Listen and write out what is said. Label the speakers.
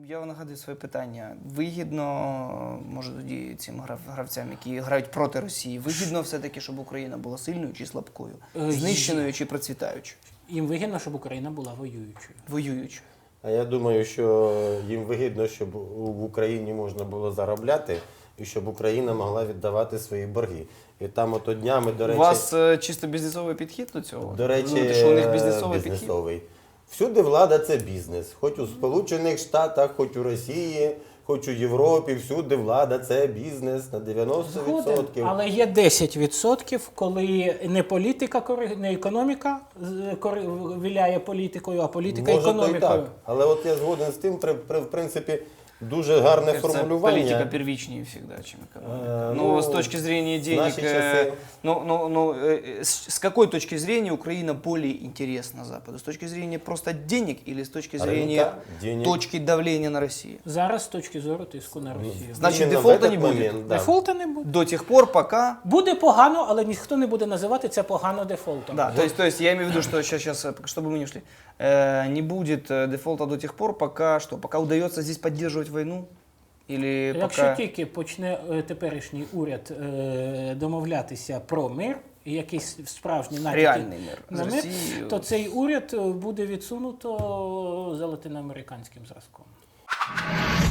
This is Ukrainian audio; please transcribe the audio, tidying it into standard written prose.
Speaker 1: Я нагадую своє питання. Вигідно, може тоді цим гравцям, які грають проти Росії, вигідно все-таки, щоб Україна була сильною чи слабкою? Знищеною чи процвітаючою?
Speaker 2: Їм вигідно, щоб Україна була воюючою.
Speaker 1: Воюючою.
Speaker 3: А я думаю, що їм вигідно, щоб в Україні можна було заробляти і щоб Україна могла віддавати свої борги. І там ото днями, до речі...
Speaker 1: У вас чисто бізнесовий підхід до цього?
Speaker 3: До речі,
Speaker 1: що у них бізнесовий підхід?
Speaker 3: бізнесовий. Всюди влада – це бізнес. Хоч у Сполучених Штатах, хоч у Росії, хоч у Європі, всюди влада – це бізнес на 90%.
Speaker 2: Згоден, але є 10%, коли не політика, не економіка віляє політикою, а політика
Speaker 3: Може, то й
Speaker 2: економікою.
Speaker 3: так. Але от я згоден з тим, в принципі, дуже гарне формулювання.
Speaker 1: Политика первичнее всегда, чем экономика. Но с точки зрения денег, с какой точки зрения Украина более интересна Западу? С точки зрения просто денег или с точки зрения точки давления на Россию?
Speaker 2: Зараз з точки зору тиску на Росію.
Speaker 1: Значит, дефолта не будет?
Speaker 2: Дефолта не буде.
Speaker 1: До тех пор, пока...
Speaker 2: Буде погано, але ніхто не буде називати це погано дефолтом.
Speaker 1: Да, то есть я имею в виду, что сейчас, чтобы мы не ушли, не будет дефолта до тех пор, пока что? Пока удается здесь поддерживать войну? Или
Speaker 2: Якщо
Speaker 1: пока...
Speaker 2: тільки почне теперішній уряд домовлятися про мир, і якийсь справжній натяки
Speaker 1: Реальний мир
Speaker 2: на
Speaker 1: з
Speaker 2: мир,
Speaker 1: Росією.
Speaker 2: то цей уряд буде відсунуто за латиноамериканським зразком.